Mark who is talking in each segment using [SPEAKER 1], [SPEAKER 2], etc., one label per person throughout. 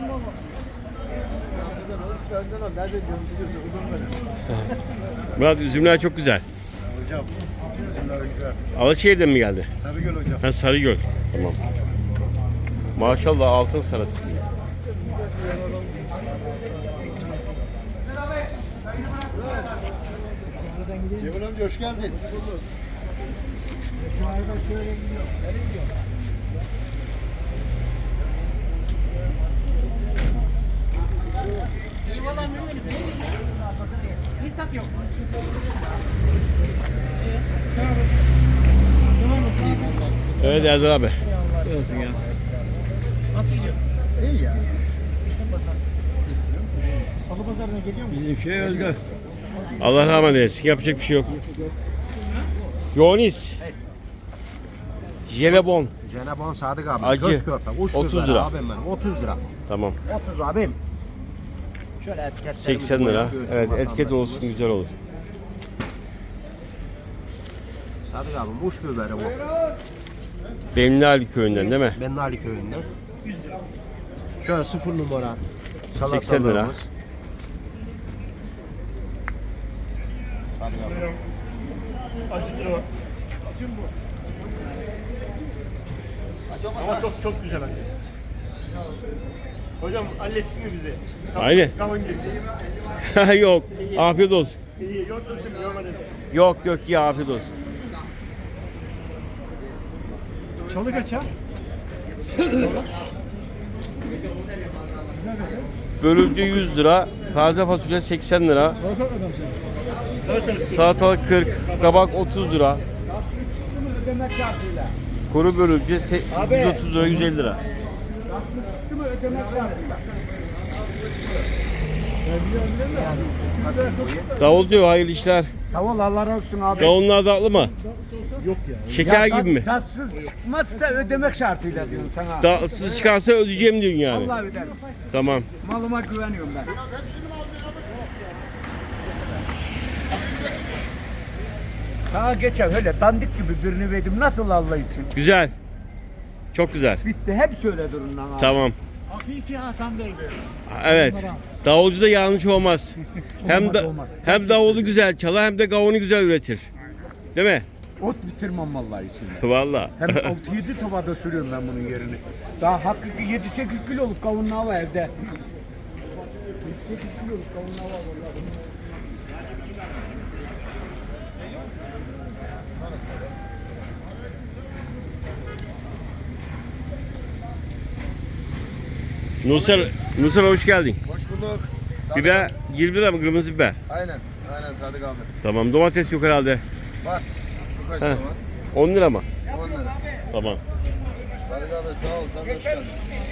[SPEAKER 1] Murat, üzümler çok güzel.
[SPEAKER 2] Hocam, üzümler güzel.
[SPEAKER 1] Alaçayır'dan mı geldi?
[SPEAKER 2] Sarıgöl hocam.
[SPEAKER 1] Ha, Sarıgöl. Tamam. Maşallah, altın sarısı.
[SPEAKER 2] Cemil amca hoş geldin.
[SPEAKER 3] Şu arada şöyle gidiyor. Nereye gidiyor? İnsan yok.
[SPEAKER 1] Evet Erdal abi.
[SPEAKER 3] Olsun ya. Nasıl gidiyor?
[SPEAKER 2] İyi ya.
[SPEAKER 3] Salı pazarına geliyor mu?
[SPEAKER 2] Bizim şey öldü.
[SPEAKER 1] Allah rahmet eylesin. Yapacak bir şey yok. Yonis. Jelebon.
[SPEAKER 4] Cenabon Sadık abi.
[SPEAKER 1] Acı.
[SPEAKER 4] Köz köfte.
[SPEAKER 1] 30 lira.
[SPEAKER 4] Abim benim. 30 lira.
[SPEAKER 1] Tamam.
[SPEAKER 4] 30 abim. Şöyle etiketlerimizi
[SPEAKER 1] 80 lira.
[SPEAKER 4] koyuyoruz,
[SPEAKER 1] Evet, etiket
[SPEAKER 4] vatandaşımız.
[SPEAKER 1] olsun, güzel olur.
[SPEAKER 4] Sadık abim uç biberi bu.
[SPEAKER 1] Benli köyünden değil mi?
[SPEAKER 4] Bennali köyünden. Şöyle 0 numara.
[SPEAKER 1] 80 lira.
[SPEAKER 4] salatalarımız. Sadık abi.
[SPEAKER 2] Acıdır o. Ama çok güzel acı. Hocam hallettin mi bizi?
[SPEAKER 1] Aynen.
[SPEAKER 2] Kavun gibi.
[SPEAKER 1] Yok. Afiyet olsun.
[SPEAKER 2] İyi, yoksa görmedim.
[SPEAKER 1] Yok ya, afiyet olsun.
[SPEAKER 3] Çalı kaç ha?
[SPEAKER 1] Bölümcü 100 lira. Taze fasulye 80 lira.
[SPEAKER 3] Salata adam sen.
[SPEAKER 1] Salatalık 40. Kabak 30 lira.
[SPEAKER 3] Ödemek şartıyla.
[SPEAKER 1] Kuru bölümcü 130 lira, 150 lira.
[SPEAKER 3] Çıktı mı ödemek şartıyla.
[SPEAKER 1] Davulcu, hayırlı işler.
[SPEAKER 3] Sağ ol, Allah razı olsun abi.
[SPEAKER 1] Kavunlar tatlı mı?
[SPEAKER 3] Yok ya.
[SPEAKER 1] Şeker gibi mi?
[SPEAKER 3] Tatsız çıkmazsa ödemek şartıyla diyorum sana.
[SPEAKER 1] Tatsız çıkarsa ödeyeceğim diyorsun yani.
[SPEAKER 3] Allah öderim.
[SPEAKER 1] Tamam.
[SPEAKER 3] Malıma güveniyorum ben. Sana geçen öyle dandik gibi birini verdim. Nasıl Allah için?
[SPEAKER 1] Güzel. Çok güzel.
[SPEAKER 3] Bitti. Hep söyle durun lan abi.
[SPEAKER 1] Tamam.
[SPEAKER 3] Hakiki Hasan Bey'di.
[SPEAKER 1] Evet. Davulcu da yanlış olmaz.
[SPEAKER 3] Olmaz.
[SPEAKER 1] Hem davulu güzel çalar hem de kavunu güzel üretir. Değil mi?
[SPEAKER 3] Ot bitirmem vallahi içinde.
[SPEAKER 1] Vallahi.
[SPEAKER 3] Hem 6-7 tavada sürüyorum ben bunun yerini. Daha hakiki 7-8 kiloluk kavunlu var evde. 7-8 kiloluk kavunlu var vallahi.
[SPEAKER 1] Nursel hoş geldin.
[SPEAKER 2] Hoş bulduk.
[SPEAKER 1] Biber 20 lira mı, kırmızı biber?
[SPEAKER 2] Aynen. Aynen Sadık abi.
[SPEAKER 1] Tamam, domates yok herhalde.
[SPEAKER 2] Var. Bu kaç
[SPEAKER 1] Heh.
[SPEAKER 2] lira var?
[SPEAKER 1] 10 lira mı?
[SPEAKER 2] 10 lira.
[SPEAKER 1] Tamam.
[SPEAKER 2] Sadık abi sağ ol. Sen de hoş geldin.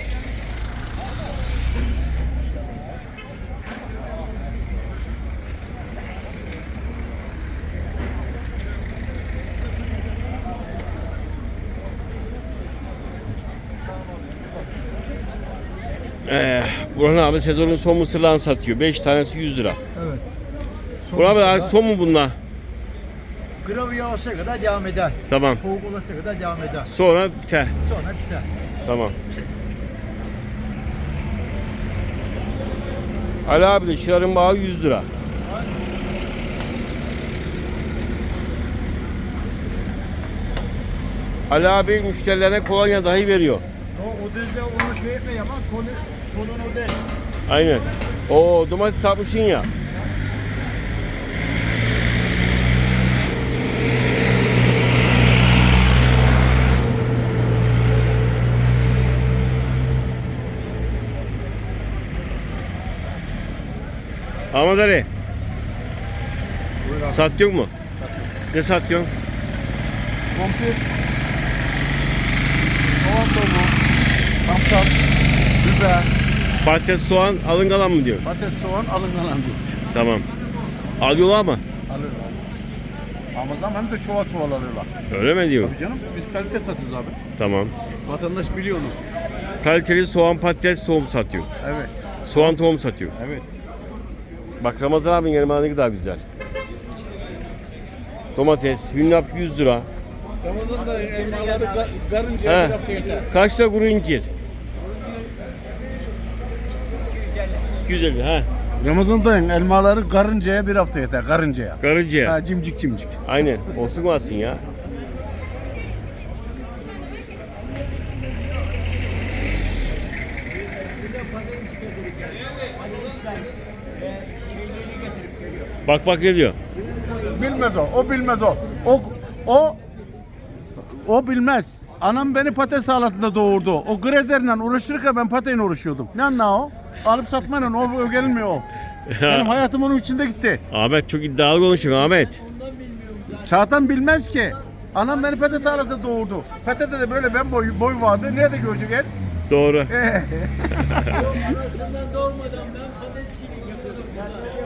[SPEAKER 1] Burhan abi sezonun son mısırlarını satıyor. 5 tanesi 100 lira.
[SPEAKER 3] Evet.
[SPEAKER 1] Burhan abi artık son mu bunlar?
[SPEAKER 3] Gravya olsa kadar devam eder.
[SPEAKER 1] Tamam.
[SPEAKER 3] Soğuk olasa kadar devam eder.
[SPEAKER 1] Sonra biter.
[SPEAKER 3] Sonra biter.
[SPEAKER 1] Tamam. Ali abi de şıların bağı 100 lira. Ali abi müşterilerine kolonya dahi veriyor.
[SPEAKER 3] O düzde onu şey etme yaman konun o değil.
[SPEAKER 1] Aynen. O domates satmışsın ya. Ahmet Ali. Satıyor mu? Ne satıyorsun?
[SPEAKER 3] Kompir. Soğan tohumu. Samsak. Biber.
[SPEAKER 1] Patates, soğan, alın kalan mı diyor?
[SPEAKER 3] Patates, soğan alıngalan diyor.
[SPEAKER 1] Tamam. Alıyorlar mı?
[SPEAKER 3] Alırlar. Ramazan hem de çuval çuval alıyorlar.
[SPEAKER 1] Öyle mi diyor?
[SPEAKER 3] Tabii canım biz kalite satıyoruz abi.
[SPEAKER 1] Tamam.
[SPEAKER 3] Vatandaş biliyor onu.
[SPEAKER 1] Kaliteli soğan, patates, tohum satıyor.
[SPEAKER 3] Evet.
[SPEAKER 1] Soğan tohum satıyor.
[SPEAKER 3] Evet.
[SPEAKER 1] Bak Ramazan abinin elmaları ne kadar güzel. Domates, hünnap 100 lira.
[SPEAKER 3] Ramazan'da elmaları karınca
[SPEAKER 1] He.
[SPEAKER 3] bir hafta yeter.
[SPEAKER 1] Kaç lira kuru incir? 250 ha.
[SPEAKER 3] Ramazan'dayım. Elmaları karıncaya bir hafta yeter. Karıncaya.
[SPEAKER 1] Karıncaya.
[SPEAKER 3] Ha, cimcik cimcik.
[SPEAKER 1] Aynen. Olsun olsun ya. Bak bak ne diyor.
[SPEAKER 3] Bilmez o. O bilmez o. O bilmez. Anam beni patates salatında doğurdu. O graderle uğraşırken ben pateyle uğraşıyordum. Ne anla o? Alıp satmayla o gelmiyor o. Benim hayatım onun içinde gitti.
[SPEAKER 1] Ahmet çok iddialı konuşuyor Ahmet.
[SPEAKER 3] Zaten bilmez ki. Anam beni patates tarlasında doğurdu. Patates de böyle ben boy vardı. Nerede görecek el?
[SPEAKER 1] Doğru.
[SPEAKER 5] Anasından doğmadan ben patatesçilik yapıyordum.